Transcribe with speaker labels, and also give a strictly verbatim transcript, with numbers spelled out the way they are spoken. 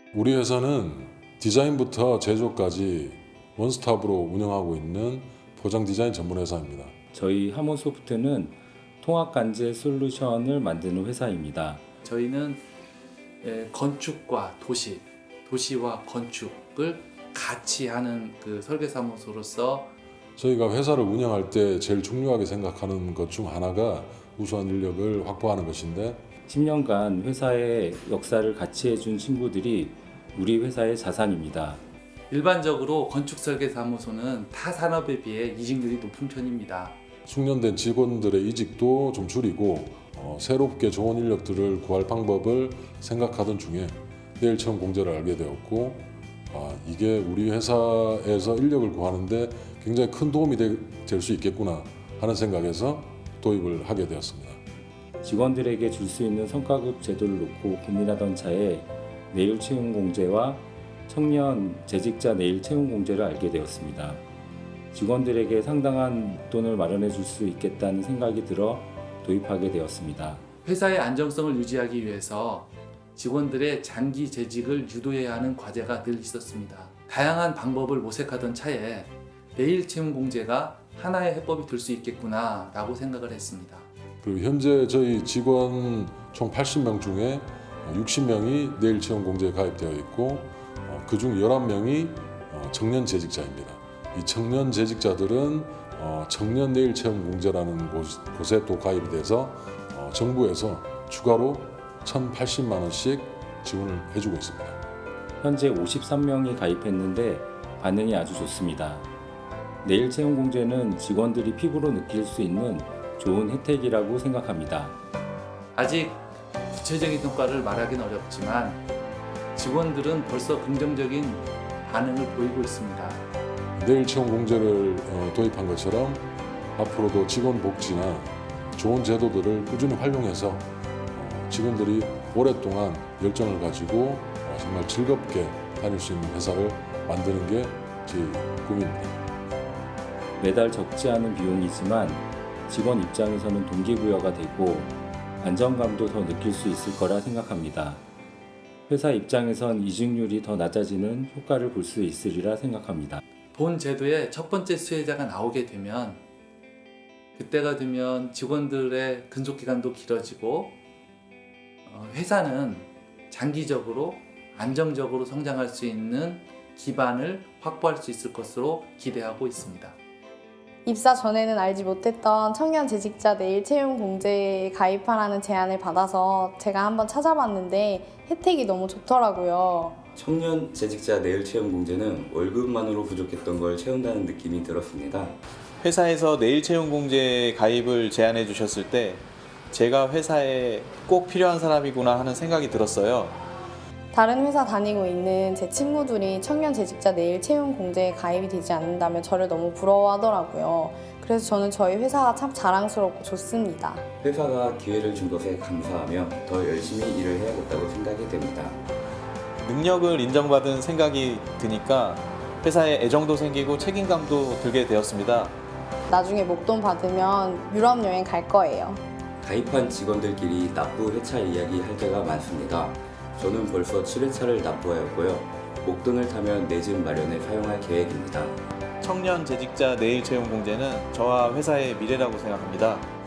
Speaker 1: 우리 회사는 디자인부터 제조까지 원스톱으로 운영하고 있는 포장 디자인 전문 회사입니다.
Speaker 2: 저희 하몬소프트는 통합간제 솔루션을 만드는 회사입니다.
Speaker 3: 저희는 건축과 도시, 도시와 건축을 같이 하는 그 설계사무소로서
Speaker 1: 저희가 회사를 운영할 때 제일 중요하게 생각하는 것 중 하나가 우수한 인력을 확보하는 것인데
Speaker 2: 십 년간 회사의 역사를 같이 해준 친구들이 우리 회사의 자산입니다.
Speaker 3: 일반적으로 건축설계사무소는 타 산업에 비해 이직률이 높은 편입니다.
Speaker 1: 숙련된 직원들의 이직도 좀 줄이고 어, 새롭게 좋은 인력들을 구할 방법을 생각하던 중에 내일체험 공제를 알게 되었고 아, 이게 우리 회사에서 인력을 구하는데 굉장히 큰 도움이 될 수 있겠구나 하는 생각에서 도입을 하게 되었습니다.
Speaker 2: 직원들에게 줄 수 있는 성과급 제도를 놓고 고민하던 차에 내일채용 공제와 청년 재직자 내일채용 공제를 알게 되었습니다. 직원들에게 상당한 돈을 마련해 줄 수 있겠다는 생각이 들어 도입하게 되었습니다.
Speaker 3: 회사의 안정성을 유지하기 위해서 직원들의 장기 재직을 유도해야 하는 과제가 늘 있었습니다. 다양한 방법을 모색하던 차에 내일채용 공제가 하나의 해법이 될 수 있겠구나 라고 생각을 했습니다.
Speaker 1: 그리고 현재 저희 직원 총 팔십 명 중에 육십 명이 내일채용 공제에 가입되어 있고 그중 열한 명이 청년 재직자입니다. 이 청년 재직자들은 청년 내일채용 공제라는 곳에 또 가입이 돼서 정부에서 추가로 천팔십만 원씩 지원을 해주고 있습니다.
Speaker 2: 현재 오십삼 명이 가입했는데 반응이 아주 좋습니다. 내일채용 공제는 직원들이 피부로 느낄 수 있는 좋은 혜택이라고 생각합니다.
Speaker 3: 아직 구체적인 성과를 말하기는 어렵지만 직원들은 벌써 긍정적인 반응을 보이고 있습니다.
Speaker 1: 내일채용 공제를 도입한 것처럼 앞으로도 직원 복지나 좋은 제도들을 꾸준히 활용해서 직원들이 오랫동안 열정을 가지고 정말 즐겁게 다닐 수 있는 회사를 만드는 게 제 꿈입니다.
Speaker 2: 매달 적지 않은 비용이지만 직원 입장에서는 동기부여가 되고 안정감도 더 느낄 수 있을 거라 생각합니다. 회사 입장에선 이직률이 더 낮아지는 효과를 볼 수 있으리라 생각합니다.
Speaker 3: 본 제도의 첫 번째 수혜자가 나오게 되면 그때가 되면 직원들의 근속기간도 길어지고 회사는 장기적으로 안정적으로 성장할 수 있는 기반을 확보할 수 있을 것으로 기대하고 있습니다.
Speaker 4: 입사 전에는 알지 못했던 청년 재직자 내일채용 공제에 가입하라는 제안을 받아서 제가 한번 찾아봤는데 혜택이 너무 좋더라고요.
Speaker 5: 청년 재직자 내일채용 공제는 월급만으로 부족했던 걸 채운다는 느낌이 들었습니다.
Speaker 6: 회사에서 내일채용 공제 가입을 제안해 주셨을 때 제가 회사에 꼭 필요한 사람이구나 하는 생각이 들었어요.
Speaker 4: 다른 회사 다니고 있는 제 친구들이 청년 재직자 내일채용 공제에 가입이 되지 않는다면 저를 너무 부러워하더라고요. 그래서 저는 저희 회사가 참 자랑스럽고 좋습니다.
Speaker 5: 회사가 기회를 준 것에 감사하며 더 열심히 일을 해야겠다고 생각이 됩니다.
Speaker 6: 능력을 인정받은 생각이 드니까 회사에 애정도 생기고 책임감도 들게 되었습니다.
Speaker 4: 나중에 목돈 받으면 유럽 여행 갈 거예요.
Speaker 5: 가입한 직원들끼리 납부 회차 이야기 할 때가 많습니다. 저는 벌써 칠 회차를 납부하였고요. 목돈을 타면 내 집 마련에 사용할 계획입니다.
Speaker 6: 청년 재직자 내일채용 공제는 저와 회사의 미래라고 생각합니다.